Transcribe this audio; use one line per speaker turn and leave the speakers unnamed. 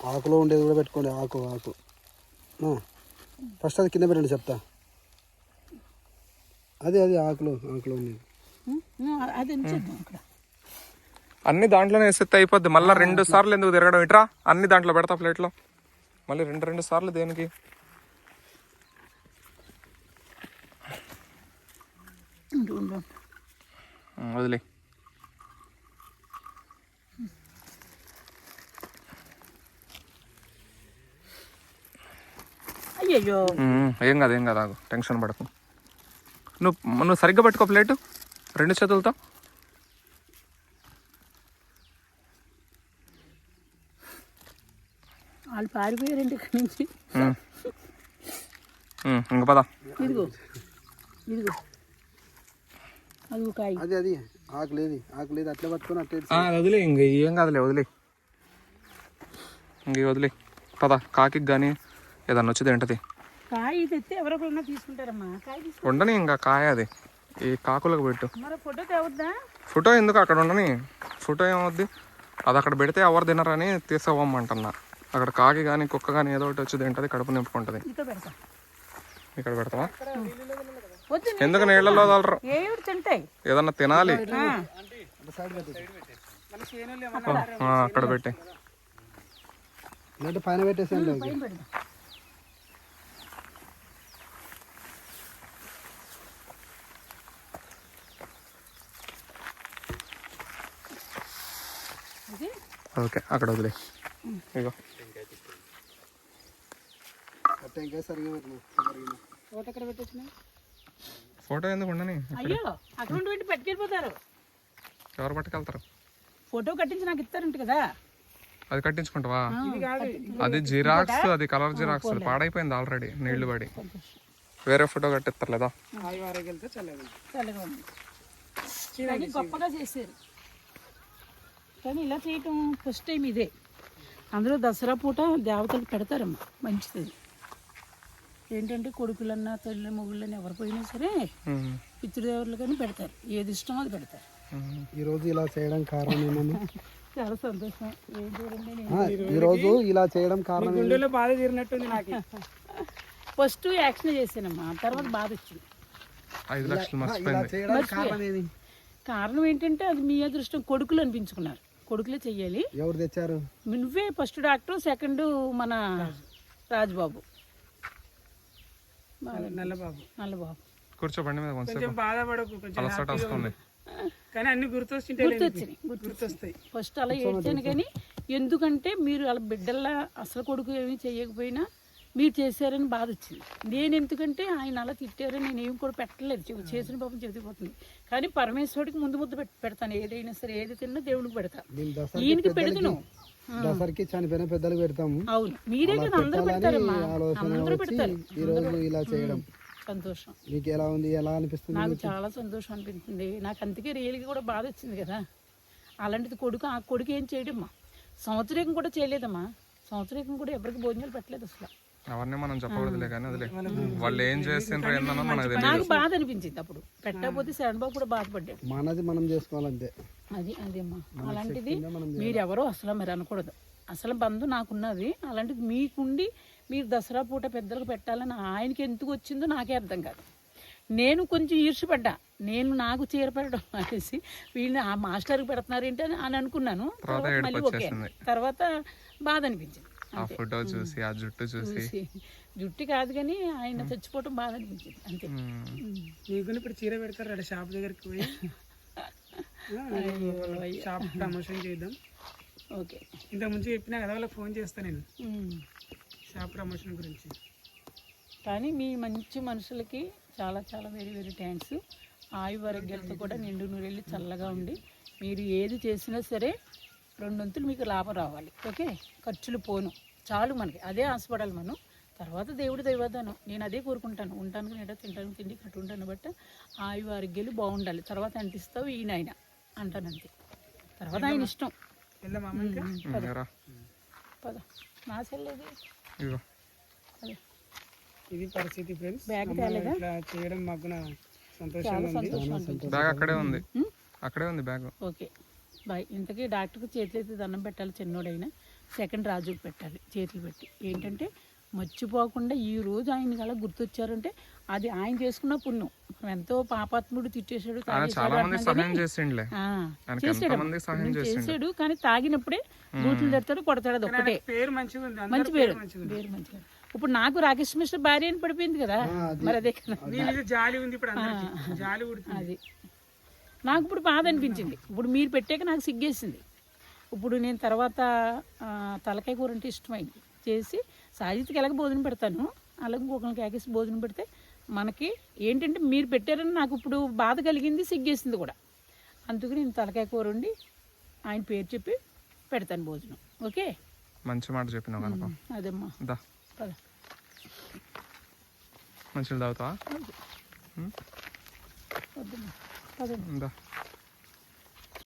ఆకులో ఉండేది కూడా పెట్టుకోండి. ఆకు ఫస్ట్ అది కింద పెట్టండి చెప్తా. అది ఆకులో ఉండేది
అన్ని దాంట్లోనే వేసేస్తే అయిపోద్ది. మళ్ళీ 2 సార్లు ఎందుకు తిరగడం? ఇట్రా అన్ని దాంట్లో పెడతా ప్లేట్లో. మళ్ళీ 2 సార్లు దేనికి? వదిలే.
అయ్యో
ఏం కాదు ఆగు, టెన్షన్ పడకు. నువ్వు సరిగ్గా పట్టుకో ప్లేటు 2 చేతులతో.
వాళ్ళు పారిపోయారండి ఇక్కడి నుంచి.
ఇంక పదా.
ఇదిగో అది కాయ.
అది ఆకులేదు అట్లా పట్టుకొని అట్లా
వదిలే. ఇంక ఏం కాదులే, వదిలే. ఇంక వదిలే పదా. కాకి కానీ ఏదన్నా వచ్చేది ఏంటది?
కాయ తెస్తే ఎవరొకరు తీసుకుంటారమ్మా. కాయ
ఉండని, ఇంకా కాయ అది ఈ కాకులకు పెట్టు.
మరి ఫోటో తేవద్దా?
ఫోటో ఎందుకు అక్కడ ఉండని? ఫోటో ఏమవుద్ది? అది అక్కడ పెడితే ఎవరు తినరని తీసుకోవమ్మంటున్నా. అక్కడ కాకి కానీ కుక్క కానీ ఏదో ఒకటి వచ్చి తింటది, కడుపు నింపుకుంటది. ఇక్కడ పెడతావా? ఎందుకు నీళ్ళలో వదలరు? ఏదన్నా తినాలి. అక్కడ పెట్టి
పైన పెట్టేసండి.
ఓకే, అక్కడ వదిలే. ఇగో ఫోటో ఎందుకు ఉండని?
అయ్యో అక్కడ పెట్టి పట్టుకెళ్ళిపోతారు.
ఎవరు పట్టుకెళ్తారు?
ఫోటో కట్టించి నాకు ఇస్తారంట కదా.
అది కట్టించుకుంటావా? అది జిరాక్స్, అది కలర్ జిరాక్స్. అది పాడైపోయింది ఆల్రెడీ, నీళ్లు పడి. వేరే ఫోటో కట్టిస్తారు లేదా?
గొప్పగా చేశారు కానీ ఇలా చేయటం ఫస్ట్ టైం ఇదే. అందులో దసరా పూట దేవతలు పెడతారమ్మా, మంచిది. ఏంటంటే కొడుకులన్నా తల్లి మొగుళ్ళని ఎవరు పోయినా సరే పితృదేవులు కానీ పెడతారు. ఏది ఇష్టమో అది పెడతారు.
ఈరోజు ఇలా చేయడం కారణం ఏమన్నా?
చాలా సంతోషం. ఏం చూడండి,
ఈరోజు ఇలా చేయడం కారణం
గుండెలో బాధ తీరినట్టుంది నాకు.
ఫస్ట్ యాక్షన్ చేశానమ్మా, తర్వాత బాధ వచ్చింది.
5 లక్షలు మర్చిపోయింది.
కారణం ఏంటంటే అది మీ అదృష్టం. కొడుకులు అనిపించుకున్నారు, కొడుకులే చెయ్యాలి.
ఎవరు తెచ్చారు?
నువ్వే ఫస్ట్ డాక్టర్, సెకండ్ మన రాజుబాబు, నల్లబాబు.
కూర్చోబండి మీద
కొంచెం బాధపడకు,
వస్తుంది.
కానీ అన్ని
గుర్తొస్తాయి. ఫస్ట్ అలా ఏడ్చాను కానీ ఎందుకంటే మీరు అలా బిడ్డల్లా అసలు కొడుకు ఏమీ చేయకపోయినా మీరు చేశారని బాధ వచ్చింది. నేను ఎందుకంటే ఆయన అలా తిట్టారని నేను ఏమి కూడా పెట్టలేదు. చేసిన పాపం చెబుతుపోతుంది. కానీ పరమేశ్వరుడికి ముందు ముద్ద పెడతాను. ఏదైనా సరే, ఏది తిన్నా దేవుడికి పెడతాను. ఈయనకి పెడతాను.
దసరాకి చనిపోయిన పెద్దలు పెడతాము.
అవును, మీరే కదా అందరూ పెడతారమ్మా, అందరూ పెడతారు.
ఈరోజు ఇలా చేయడం
సంతోషం.
మీకు ఎలా ఉంది? ఎలా అనిపిస్తుంది?
నాకు చాలా సంతోషం అనిపిస్తుంది. నాకు అందుకే రియల్గా కూడా బాధ వచ్చింది కదా. అలాంటిది కొడుకు, ఆ కొడుకు ఏం చేయడమ్మా, సంవత్సరం కూడా చేయలేదమ్మా. సంవత్సరం కూడా ఎవరికి భోజనాలు పెట్టలేదు అసలు.
అవన్నీ మనం చెప్పకూడదులే కానీ వదిలే. వాళ్ళు ఏం చేస్తుండ్రో ఏందన్నా మనకు తెలియదు.
నాకు బాధ అనిపించింది అప్పుడు. పెట్టకపోతే శరణబాబు కూడా బాధపడ్డాడు.
మనది మనం చేసుకోవాలంతే.
అదేమ్మా. అలాంటిది మీరెవరో అసలు మరి అనకూడదు. అసలు బంధు నాకున్నది. అలాంటిది మీకుండి మీరు దసరా పూట పెద్దలకు పెట్టాలని ఆయనకి ఎందుకు వచ్చిందో నాకే అర్థం కాదు. నేను కొంచెం ఈర్షపడ్డా. నాకు చీర పెట్టడం అనేసి వీళ్ళని ఆ మాస్టర్కి పెడుతున్నారు ఏంటి అని అనుకున్నాను. మళ్ళీ ఓకే, తర్వాత బాధ అనిపించింది.
ఫోటో చూసి, ఆ జుట్టు చూసి.
జుట్టు కాదు కానీ ఆయన చచ్చిపోవటం బాధ అనిపించింది అంతే.
నీకు ఇప్పుడు చీర పెడతారు షాప్ దగ్గరికి పోయి షాప్ ప్రమోషన్ చేద్దాం.
ఓకే,
ఇంత ముందు చెప్పినా కదా, వాళ్ళకి ఫోన్ చేస్తాను నేను షాప్ ప్రమోషన్ గురించి.
కానీ మీ మంచి మనుషులకి చాలా చాలా వెరీ వెరీ థ్యాంక్స్. ఆయువారోగ్యాలతో కూడా నిండు నూరెళ్ళి చల్లగా ఉండి మీరు ఏది చేసినా సరే 2 వంతులు మీకు లాభం రావాలి. ఓకే, ఖర్చులు పోను చాలు, మనకి అదే ఆశపడాలి మనం. తర్వాత దేవుడి దైవాదానం, నేను అదే కోరుకుంటాను. ఉంటాను నేట తింటాను, తిండి కట్టు ఉంటాను. బట్ ఆయు ఆరోగ్యాలు బాగుండాలి. తర్వాత అంటిస్తావు ఈయన ఆయన అంటాను అంతే. తర్వాత ఆయన ఇష్టం. పద నా చెల్లేది.
ఇది పరిస్థితి ఫ్రెండ్స్.
బ్యాగ్ తేలేదా?
చేయడం మాకు సంతోషంగా ఉంది.
బ్యాగ్ అక్కడే ఉంది, బ్యాగ్.
Okay bye. ఇంతకీ డాక్టర్కి చేతులైతే దండం పెట్టాలి, చిన్నోడైనా సెకండ్ రాజుకి పెట్టాలి చేతులు పెట్టి. ఏంటంటే మర్చిపోకుండా ఈ రోజు ఆయన అలా గుర్తొచ్చారంటే అది ఆయన చేసుకున్న పుణ్యం. ఎంతో పాపాత్ముడు తిట్టేశాడు,
చాలా మంది సహాయం చేసిండులే,
చేసాడు, కానీ తాగినప్పుడే బూతులు తిడతాడు, కొడతాడు. అది ఒక్కటే
పేరు మంచిగా ఉంది,
మంచి పేరు, పేరు మంచిగా. ఇప్పుడు నాకు రాకేష్ మిశ్ర భార్య అని పడిపోయింది కదా, మరి అదే కదా
నీ మీద జాలి ఉంది ఇప్పుడు అందరికీ. జాలి ఉడుతుంది.
అది నాకు ఇప్పుడు బాధ అనిపించింది. ఇప్పుడు మీరు పెట్టాక నాకు సిగ్గేసింది. ఇప్పుడు నేను తర్వాత తలకాయ కూర అంటే ఇష్టమైంది చేసి సాజిత్కి ఎలాగ భోజనం పెడతాను, అలాగే ఇంకొకరికి ఆకేసి భోజనం పెడితే మనకి ఏంటంటే మీరు పెట్టారని నాకు ఇప్పుడు బాధ కలిగింది, సిగ్గేసింది కూడా. అందుకు నేను తలకాయ కూర వండి ఆయన పేరు చెప్పి పెడతాను భోజనం. ఓకే,
మంచి మాట చెప్పినావు కనుక.
అదేమ్మా, పద.
మంచిగా తాగుతావా?
వద్దమ్మా, పదండి.
దా.